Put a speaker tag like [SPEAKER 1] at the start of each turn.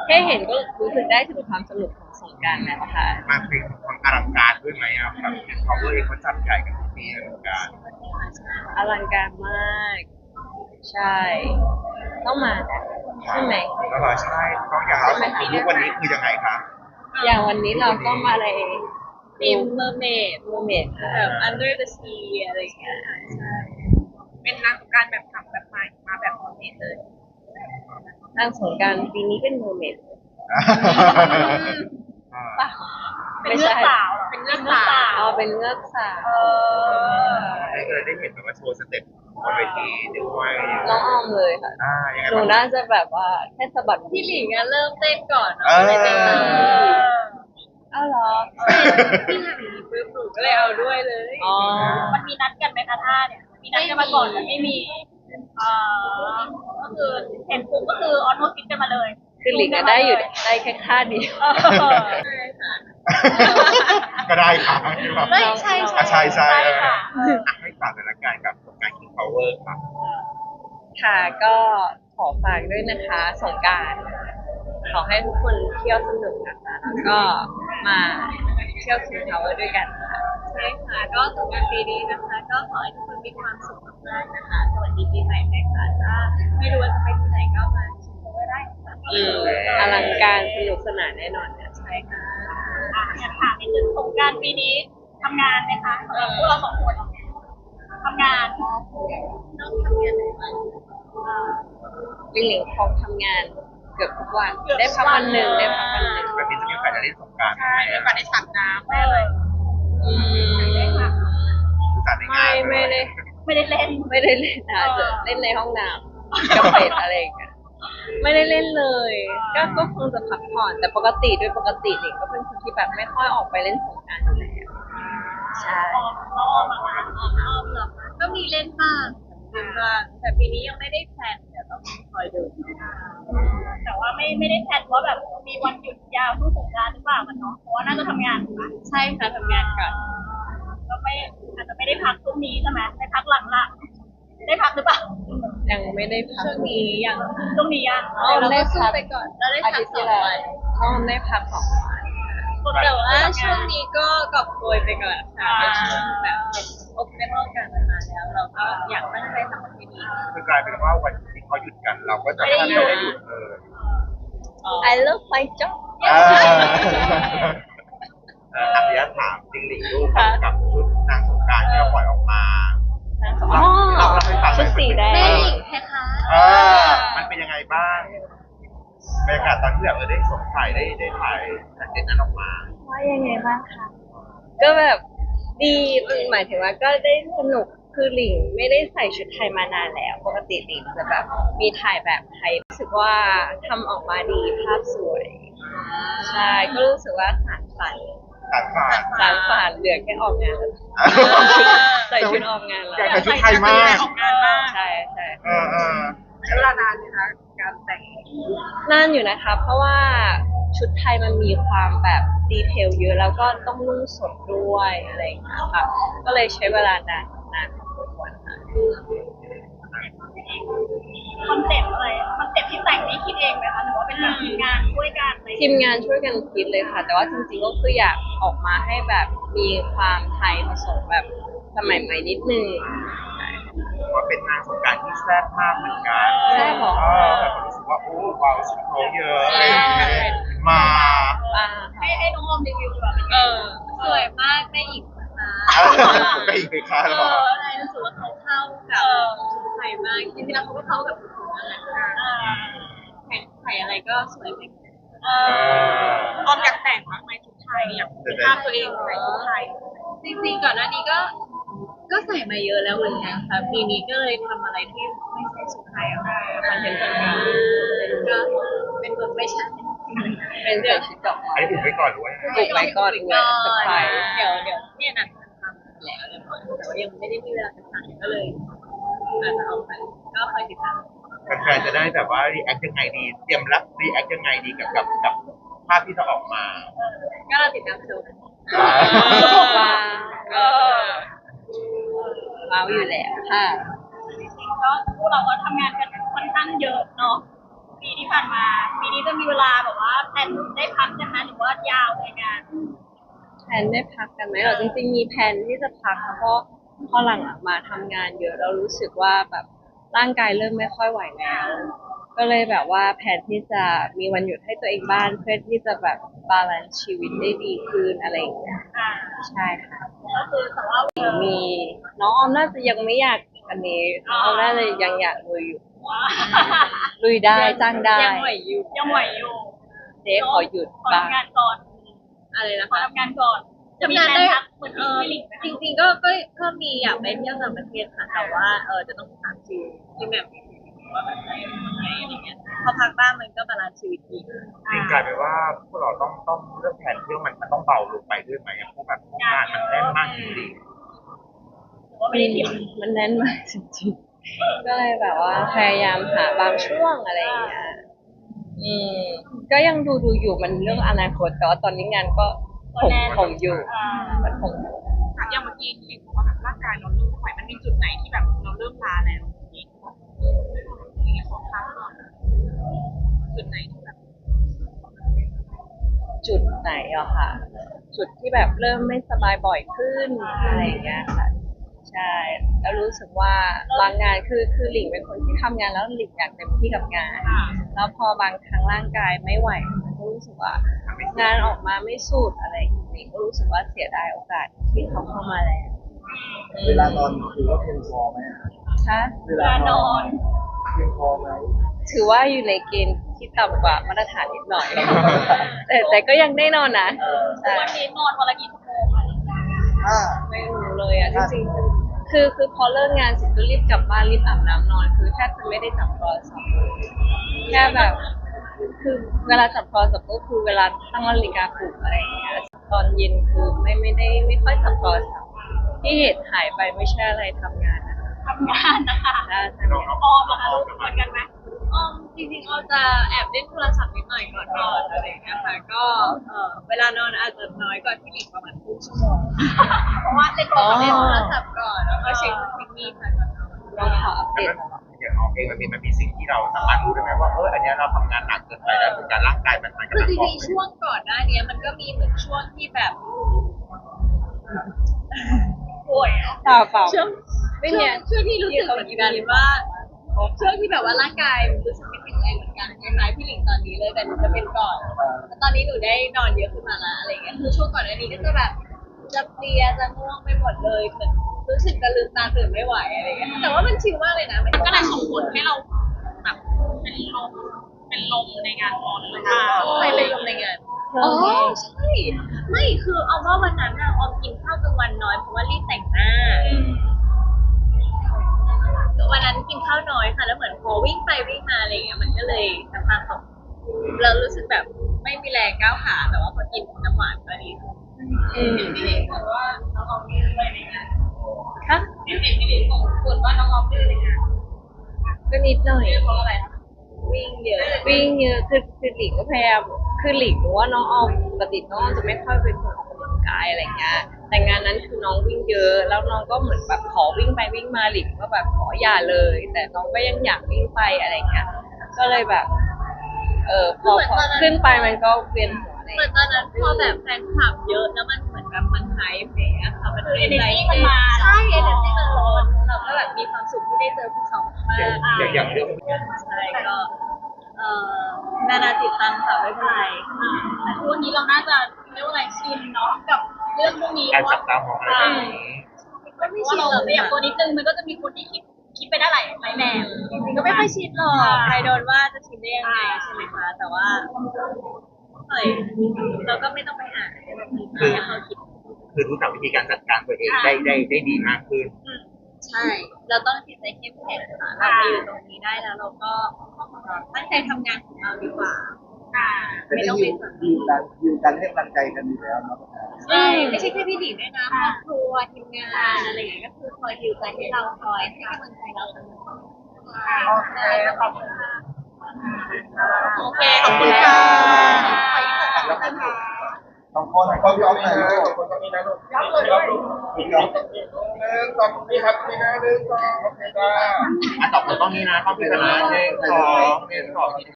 [SPEAKER 1] ค่เห็นก็รู้สึกได้ถึงความสนุกของสงกรานต์แล้วค่ะ
[SPEAKER 2] มาเพลงของอลังการด้วยไหมครับแบบpower เองเขาจัดใหญ่กันทุกปีอลังการ
[SPEAKER 1] อลังการมากใช่ต้องมานะใช่ไหม
[SPEAKER 2] แล้วก็ใช่ต้องอย่างเราสองคนทุกวันนี้คือยังไงคะ
[SPEAKER 1] อย่างวันนี้เราก็มาใน
[SPEAKER 3] ทีมเมอร์เมด
[SPEAKER 1] เมอร์เมดค่ะ
[SPEAKER 3] แบบ under the sea อะไรอย่างเงี้ยใช่เป็นนางสงกรานต์แบบทำแบบใหม่มาแบบเมอร์เมดเลย
[SPEAKER 1] นางสงกรานต์ปีนี้เป็นเมอร์เมดป่ะ
[SPEAKER 3] เป็นเลือดสาวเป็นเลือดสาว
[SPEAKER 1] อ๋อเป็นเงือกสาว
[SPEAKER 2] ได้เลยได้เห็นแบบว่าโชว์สเต็ปบนเวทีด้วย
[SPEAKER 1] น้องออมเลยค่ะ
[SPEAKER 2] ยังไง
[SPEAKER 1] หนูน่าจะแบบว่าแค่สะบัด
[SPEAKER 3] พี่หลิงอะเริ่มเต้นก่อน
[SPEAKER 2] ไม่
[SPEAKER 3] เต้นตาม
[SPEAKER 1] อ้าวเหรอ
[SPEAKER 3] พี่หลิงปุ๊บหนูก็เลยเอาด้วยเลย
[SPEAKER 1] อ๋อ
[SPEAKER 3] มันมีนัดกันไหมคะท่าเนี่ยมีนัดกันมาก่อนแต่ไม่มีก็คือเห็นปุ๊บก็คือออโต้คิดกันมาเลย
[SPEAKER 1] คือหลิงก็ได้อยู่ได้แค่ท่าเดียว
[SPEAKER 2] ก็ได้ค่ะ
[SPEAKER 3] ใช่
[SPEAKER 2] ใช่ให้ฝากสถานการณ์กับงาน King Power ครับ
[SPEAKER 1] ค่ะก็ขอฝากด้วยนะคะสงกรานต์ขอให้ทุกคนเที่ยวสนุกนะคะแล้วก็มาเที่ยว King Power ด้วยกันค่ะ
[SPEAKER 3] ใช่ค่ะก็สงกรานต์ปีนี้นะคะก็ขอให้ทุกคนมีความสุขมากๆนะคะสวัสดีปีใหม่นะคะถ้าไม่รู้ว่าจะไปที่ไหนก็มาชิมก็ได้ค่ะ
[SPEAKER 1] อลังการสนุกสนานแน่นอนค่ะ
[SPEAKER 3] ใช่ค่ะอยากถามนิดนึงสงกรานต์ปีนี้ทำงานไหมคะสำหรับพวกเราสองคนทำงานต้องทำงานไหนบ้าง
[SPEAKER 1] ลิงหลิงพร้อมทำงานเกือบทุกวันได้พักวันหนึ่ง
[SPEAKER 2] แบบนี้จะมีโอกาสได้เล่นสงกรานต์
[SPEAKER 3] ใช่มีโอกาสได้ฉากน้ำได้เลยได้ค่ะ
[SPEAKER 1] ไม่ได้
[SPEAKER 3] เล่น
[SPEAKER 1] นะจะเล่นในห้องน้ำกับเป็ดอะไรอย่างเงี้ยไม่ได้เล่นเลยก็คงจะพักผ่อนแต่ปกติหลิงก็เป็นคนที่แบบไม่ค่อยออกไปเล่นสงกรานต์อยู่แล้วใช่
[SPEAKER 3] ออมเหรอก็มีเล่นบ้างแต่ปีนี้ยังไม่ได้แพลนเดี๋ยวต้องคอยดูแต่ว่าไม่ได้แพลนว่าแบบมีวันหยุดยาวช่วงสงกรานต์หรือเปล่ากันเนาะเพราะว่าน่าจะทำงานถูกไหม
[SPEAKER 1] ใช่ค่ะทำงานก่อน
[SPEAKER 3] ก็อาจจะไม่ได้พักช่วงนี้ใช่ไหมได้พักหลังละได้พักหรือเปล่า
[SPEAKER 1] ยังไม่ได้พัก
[SPEAKER 3] ช่วงนี้ยัง
[SPEAKER 1] เรา
[SPEAKER 3] ได้
[SPEAKER 1] สู้
[SPEAKER 3] ไปก่อนเราได้พัก2 วัน
[SPEAKER 1] ได้พัก2 วัน
[SPEAKER 3] แต่ว่าช่วงนี้ก็กอบโกยไปก่อนค่ะแบบอบเรื่องการมาแล้วเราก็อยากตั้งใจทำมันให้ดี
[SPEAKER 2] คือกลายเป็นว่าวันที่เขาหยุดกันเราก็จะไม่ได้หยุดเลย
[SPEAKER 1] I love my job
[SPEAKER 2] อัพยาถามจริงหลิงลูกกับชุดนางสงกรานต์ที่เราปล่อยออกมาเราให้ฟัง
[SPEAKER 1] ชุดสีแดง
[SPEAKER 2] มันเป็นยังไงบ้างบรรยากาศตอนที่แบบได้สวมใส่ได้ถ่ายเด่นนั้นออกมา
[SPEAKER 1] ว่ายังไงบ้างคะก็แบบดีหมายถึงว่าก็ได้สนุกคือหลิงไม่ได้ใส่ชุดไทยมานานแล้วปกติหลิงจะแบบมีถ่ายแบบไทยรู้สึกว่าทำออกมาดีภาพสวยใช่ก็รู้สึกว่าสานฝันเหลือแค่ออกงานใส่ชุดออกงานแล้ว
[SPEAKER 2] อยากชุดไทยมาก
[SPEAKER 1] ใช่
[SPEAKER 3] ใช้เวลานานไหมคะการแต่ง
[SPEAKER 1] นานอยู่นะคะเพราะว่าชุดไทยมันมีความแบบดีเทลเยอะแล้วก็ต้องนุ่งสดด้วยอะไรอย่างเงี้ยค่ะก็เลยใช้เวลานานพอสมควรค่ะ
[SPEAKER 3] คอนเซ็ปต์ที่แต่งนี่คิดเองไหมคะหรือว่าเป็นแบบทีมงานช่วยกัน
[SPEAKER 1] ทีมงานช่วยกันคิดเลยค่ะแต่ว่าจริงๆก็คืออยากออกมาให้แบบมีความไทยผสมแบบสมัยใหม่นิดนึง
[SPEAKER 2] ว่าเป็นนางสงกรานต์ที่แซ่บมากเหมือนกัน
[SPEAKER 1] แซ่บหรอ
[SPEAKER 2] แบบรู้สึกว่าโอ้ว้าวชุดเขาเยอะมา
[SPEAKER 3] ให้น้องอมรีวิวดีกว่าสวยมากได้อีก
[SPEAKER 2] ได้อีกไปค่ะหรอ
[SPEAKER 3] รู้สึกว่าเขาเข้ากับชุดไทยมากจริงๆแล้วเขาก็เข้ากับทุกคนนั่นแหละแข่งไทยอะไรก็สวยไปออมอยากแต่งมากไหมชุดไทยอยากภาพตัวเองใส่ชุดไทยจริงๆก่อนหน้านี้ก็ใส่มาเยอะแล้วเหมือนกันค่ะปีนี้ก็เลยทำอะไรที่ไม่ใช่ชุดไทยออกมาคอนเทนต์ต่างๆก็เป็นเวอร์ไม่ใช่
[SPEAKER 1] เป็นใส่ชุดดอกไม้
[SPEAKER 2] ถูกไว้ก่อนด้วย
[SPEAKER 1] ถูกไว้ก่อนด้วยสบาย
[SPEAKER 3] เดี๋ยวเนี่ยนัดทำแล้วเรียบร้อยแต่ว่ายังไม่ได้มีเวลาทำก็เลยอาจจะเอาไปก็คอยติดตาม
[SPEAKER 2] แฟนๆจะได้แบบว่ารีแอคยังไงดีเตรียมรับรีแอคยังไงดีกับภาพที่จะออกมา
[SPEAKER 3] ก็เราติดตามดู
[SPEAKER 1] ว้าวอยู่แล้วค่ะ
[SPEAKER 3] ก็พวกเราก็ทำงานกันค่อนข้างเยอะเนาะปีที่ผ่านมาปีนี้จะมีเวลาแบบว่าแพลนได้พักกันไหมหรือว่ายาวเลยงาน
[SPEAKER 1] แพลนได้พักกันไหมเหรอจริงๆมีแพลนที่จะพักเพราะพอหลังๆมาทำงานเยอะเรารู้สึกว่าแบบร่างกายเริ่มไม่ค่อยไหวแล้ว ก็เลยแบบว่าแผนที่จะมีวันหยุดให้ตัวเองบ้านเพื่อที่จะแบบบาลานซ์ชีวิตได้ดีขึ้นอะไรอย่างเงี้ย
[SPEAKER 3] อ่า
[SPEAKER 1] ใช่ค่ะ
[SPEAKER 3] ก็คือแต่ว่า
[SPEAKER 1] มีน้องออมน่าจะยังไม่อยากอันนี้น้องออมน่าจะยังอยากลุยอยู่ ลุยได้จ้างได้
[SPEAKER 3] ยังไหวอยู่ยังไหวอยู่
[SPEAKER 1] เจ๊ขอหยุด
[SPEAKER 3] ขอ
[SPEAKER 1] บ้าง
[SPEAKER 3] ทำงานก่อน
[SPEAKER 1] อะไรนะ
[SPEAKER 3] ขอ
[SPEAKER 1] คะ
[SPEAKER 3] ทำงานก่อนจะมีแพลนพักเหมือนพี่ลิงไหม
[SPEAKER 1] จริงๆก็มีอยากไปเที่ยวต่างประเทศค่ะแต่ว่าจะต้องถามที่แบบว่าแบบไหนอะไรเงี้ยพอพักบ้างมันก็บาลานซ์ชีวิตดี
[SPEAKER 2] จริงกลายเป็นว่าพวกเราต้องเรื่องแผนเที่ยวมันต้องเบาลงไปด้วยไหมเพราะแบบงานมันแน่นมากจริง
[SPEAKER 3] ว่าไม่ได้เที่ยว
[SPEAKER 1] มันแน่นมากจริงๆก็เลยแบบว่าพยายามหาบางช่วงอะไรอย่างเงี้ยก็ยังดูอยู่มันเรื่องอนาคตแต่ว่าตอนนี้งานก็ผมอยู่มันผม
[SPEAKER 3] อย่างเมื่อกี้ที่ลิงบอกว่าแบบร่างกายเราเริ่มไม่ไหวมันมีจุดไหนที่แบบเราเริ่มล้าแล้วอย่างเงี้ยขอพักก่อนจุดไหนที่แบบ
[SPEAKER 1] จุดไหนอะค่ะ จุดที่แบบเริ่มไม่สบายบ่อยขึ้นอะไรอย่างเงี้ยค่ะ ใช่แล้วรู้สึกว่าบางงานคือหลิงเป็นคนที่ทำงานแล้วหลิงอยากเต็มที่กับงาน แล้วพอบางครั้งร่างกายไม่ไหวมันก็รู้สึกว่างานออกมาไม่สุดอะไรอย่างเงี้ยก็รู้สึกว่าเสียดายโอกาสที่เขาเข้ามาแล้ว
[SPEAKER 4] เวลานอนถือว่าเพียงพอไหมอะ
[SPEAKER 1] คะ
[SPEAKER 4] เวลานอนเพียงพอไหม
[SPEAKER 1] ถือว่าอยู่ในเกณฑ์ที่ต่ำกว่ามาตรฐานนิดหน่อย แต่ก็ยังได้นอนนะใช่
[SPEAKER 3] วันนี้นอนวันละกี่ชั่วโมงคะ
[SPEAKER 4] ถ้า
[SPEAKER 1] ไม่รู้เลยอ่ะจริงๆคือพอเลิกงานเสร็จก็รีบกลับบ้านรีบอาบน้ำนอน คือแทบจะไม่ได้จับโทรศัพท์แค่แบบ คือเวลาจับโทรศัพท์ก็คือเวลาตั้งนาฬิกาปลุกอะไรอย่างเงี้ยตอนเย็นคือไม่ค่อยจับโทรศัพท์ที่เหตุหายไปไม่ใช่อะไรทำงานนะคะ
[SPEAKER 3] ทำงานนะคะ
[SPEAKER 1] ใช่
[SPEAKER 3] ออมเหรอคะเหมือนกันไหม
[SPEAKER 1] จริงๆเราจะแอบเล่นโทรศัพท์นิดหน่อยก่อนนอนอะไรอย่างเงี้ยค่ะก็เวลานอนอาจจะน้อยกว่าที่หลิงประมาณครึ่งชั่วโมง
[SPEAKER 3] เพราะว่าเล่นโทรศัพท์ก่อน
[SPEAKER 1] แล้วก็เช็คนู่นเช็คนี่ค่ะก่อนนอนเราขออัป
[SPEAKER 2] ๆ
[SPEAKER 1] เด
[SPEAKER 2] แล้ว
[SPEAKER 1] ตตลอด
[SPEAKER 2] อย่างออกเองมันมีสิ่งที่เราสามารถรู้ได้ไหมว่าอันเนี้ยเราทำงานหนักเกินไปแล้วเหมือนการร่างกายมันกำ
[SPEAKER 1] คือ
[SPEAKER 2] ลัง
[SPEAKER 1] จ
[SPEAKER 2] บอก
[SPEAKER 1] ริงๆช่วงก่อนหน้านี้มันก็มีเหมือนช่วงที่แบบ
[SPEAKER 3] ป่วยเหรอ
[SPEAKER 1] เปล่าช่วง
[SPEAKER 3] ช่วงที่รู้สึกเหมือนกันว่าช่วงที่แบบว่าร่างกายรู้สึกไม่แข็งแรงเหมือนกันคล้ายๆพี่หลิงตอนนี้เลยแต่หนูจะเป็นก่อนแต่ตอนนี้หนูได้นอนเยอะขึ้นมาละอะไรเงี้ยคือช่วงก่อนหน้านี้ก็จะแบบจะเพลียจะง่วงไปหมดเลยเหมือนรู้สึกจะลืมตาตื่นไม่ไหวอะไรเงี้ยแต่ว่ามันชิลมากเลยนะมันก็เลยส่งผลให้เราแบบเป็นลมในงานออนเลยค่ะ
[SPEAKER 1] ใครเป็นลมในงานอ๋อใช่ไม่คือเอาว่าวันนั้นอะออมกินข้าวกลางวันน้อยเพราะว่ารีบแต่งหน้าวันนั้นกินข้าวน้อยค่ะแล้วเหมือนพอวิ่งไปวิ่งมาอะไรเงี้ยมันก็เลยน้ำตาตกเรารู้สึกแบบไม่มีแรงก้าวขาแต่ว่าพอกินน้ำหวานก็ดี
[SPEAKER 3] พี่หลิงบอกว่าน้องออมดื้อด้วยในงาน
[SPEAKER 1] ค่ะ
[SPEAKER 3] พี่หลิงบอกคุณว่าน้องออมดื้อในงาน
[SPEAKER 1] ก็นิดหน่อย
[SPEAKER 3] เพราะอะไรคะ
[SPEAKER 1] วิ่งเยอะคือหลิงก็พยายามคือหลิงรู้ว่าน้องออมปกติน้องออมจะไม่ค่อยเป็นคนออกกำลังกายอะไรเงี้ยแต่งานนั้นคือน้องวิ่งเยอะแล้วน้องก็เหมือนแบบขอวิ่งไปวิ่งมาหลิงก็แบบขออย่าเลย แต่น้องก็ยังอยากวิ่งไปอะไรเงี้ยก็เลยแบบพอขึ้นไปมันก็เวียนหัวเหมือนตอนนั้นพอแบบแฟนคลับเยอะแล้วมันเหมือนแบบมันหายไปอะค่ะมันเป็นอะไรที่มันมาใช่เอเนอร์จี้มันล้นเราก็แบบมีความสุขที่ได้เจอพวกเขามาก
[SPEAKER 2] อย่างเรื่อง
[SPEAKER 1] ใช่ก็นานาจิตตังค่ะไม่เป็นไร
[SPEAKER 3] แต่ทุกวันนี้เราน่าจะเรียกว่าอะไรชินเนาะกับเรื่องพวกนี้
[SPEAKER 2] การ
[SPEAKER 3] ว่า
[SPEAKER 2] จับตามองอะไรแบบนี้
[SPEAKER 1] ก็ไม่
[SPEAKER 3] ว่า
[SPEAKER 1] ชิน
[SPEAKER 3] เรา
[SPEAKER 1] หรอก
[SPEAKER 3] ไม่อยากตัวนิดนึงมันก็จะมีคนที่คิดไปได้หลายแบบ
[SPEAKER 1] ก็ไม่ค่อยชินหรอกใครโดนว่าจะชินได้ยังไงใช่ไหมคะแต่ว่าเราก็ไม่ต้องไปอ่านให้เขาคิด
[SPEAKER 2] คือรู้จักวิธีการจัดการตัวเองได้ดีมากขึ้น
[SPEAKER 1] ใช่ เราต้องจิตใจเข้มแข็งค่ะเราไปอยู่ตรงนี้ได้แล้วเราก็ตั้งใจทำงานของเราดีกว่า
[SPEAKER 4] แต่ได้ยืนกันให้กำลังใจกันอยู่แล้วเนาะ
[SPEAKER 1] ใช่ไม่ใช่แค่พี่หลิงด้วยนะครอบครัวทีมงานอะไรอย่างเงี้ยก็คือคอยฮิวใจให้เราคอยให้กำลังใจเราเสมอ
[SPEAKER 3] โอเคขอบคุณค่ะโอเคขอบคุณค่ะ
[SPEAKER 4] ต้องคนก็พี่ออฟหน่อยลูก
[SPEAKER 2] คนตรงนี้นะลูก
[SPEAKER 3] ยับเลยด้วย
[SPEAKER 4] พี่ออฟ
[SPEAKER 2] สองนี่ครับนี่นะ1 2โอเคจ้าต่อคนต้องนี้นะเข้าไปกันนะ1 2 1 2